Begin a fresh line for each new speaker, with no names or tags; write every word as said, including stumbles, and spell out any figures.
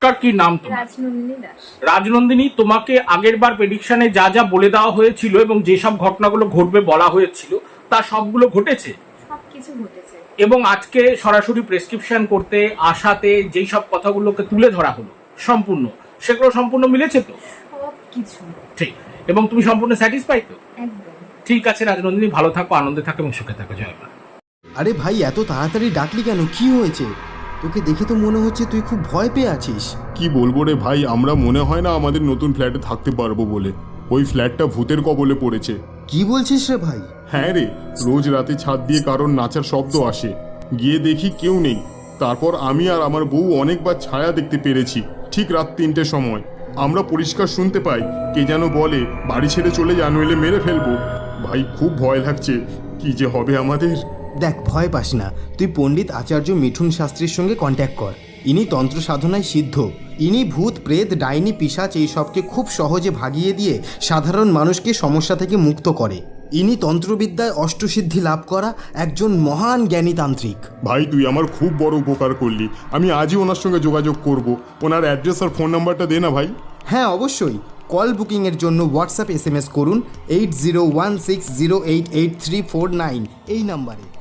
Proper কি নাম তোমার?
রাজনন্দিনী দাস।
রাজনন্দিনী, তোমাকে আগের বার প্রেডিকশনে যা যা বলে দেওয়া হয়েছিল এবং যেসব ঘটনাগুলো ঘটবে বলা হয়েছিল তা সবগুলো ঘটেছে?
সবকিছু ঘটেছে।
এবং আজকে সরাসরি প্রেসক্রিপশন করতে আসাতে যেই সব কথাগুলোকে তুলে ধরা হলো সম্পূর্ণ, সেগুলো সম্পূর্ণ মিলেছে তো?
সবকিছু
ঠিক। এবং তুমি সম্পূর্ণ স্যাটিসফাই তো?
একদম।
ঠিক আছে রাজনন্দিনী, ভালো থাকো, আনন্দে থাকো এবং সুখে থাকো। জয় মা।
আরে ভাই, এত তাড়াতাড়ি ডাকলি কেন? কি হয়েছে? তোকে দেখে তো মনে হচ্ছে তুই খুব ভয় পেয়ে আছিস।
কি বলবো রে ভাই, আমরা মনে হয় না আমাদের নতুন ফ্ল্যাটে থাকতে পারবো বলে। ওই ফ্ল্যাটটা ভূতের কবলে পড়েছে।
কি বলছিস রে ভাই?
হ্যাঁ রে, রোজ রাতে ছাদ দিয়ে কারোর নাচার শব্দ আসে, গিয়ে দেখি কেউ নেই। তারপর আমি আর আমার বউ অনেকবার ছায়া দেখতে পেরেছি। ঠিক রাত তিনটের সময় আমরা পরিষ্কার শুনতে পাই কে যেন বলে, বাড়ি ছেড়ে চলে যা, নইলে মেরে ফেলবো। ভাই খুব ভয় লাগছে, কি যে হবে আমাদের।
দেখ, ভয় পাস না, তুই পণ্ডিত আচার্য মিঠুন শাস্ত্রীর সঙ্গে কন্ট্যাক্ট কর। ইনি তন্ত্র সাধনায় সিদ্ধ। ইনি ভূত প্রেত ডাইনি পিশাচ এই সবকে খুব সহজে ভাগিয়ে দিয়ে সাধারণ মানুষকে সমস্যা থেকে মুক্ত করে। ইনি তন্ত্রবিদ্যায় অষ্টসিদ্ধি লাভ করা একজন মহান জ্ঞানী তান্ত্রিক।
ভাই তুই আমার খুব বড় উপকার করলি, আমি আজই ওনার সঙ্গে যোগাযোগ করব। ওনার অ্যাড্রেস আর ফোন নাম্বারটা দে না ভাই।
হ্যাঁ অবশ্যই, কল বুকিংয়ের জন্য হোয়াটসঅ্যাপ এস এম এস করুন eight zero one six zero eight eight three four nine এই নাম্বারে।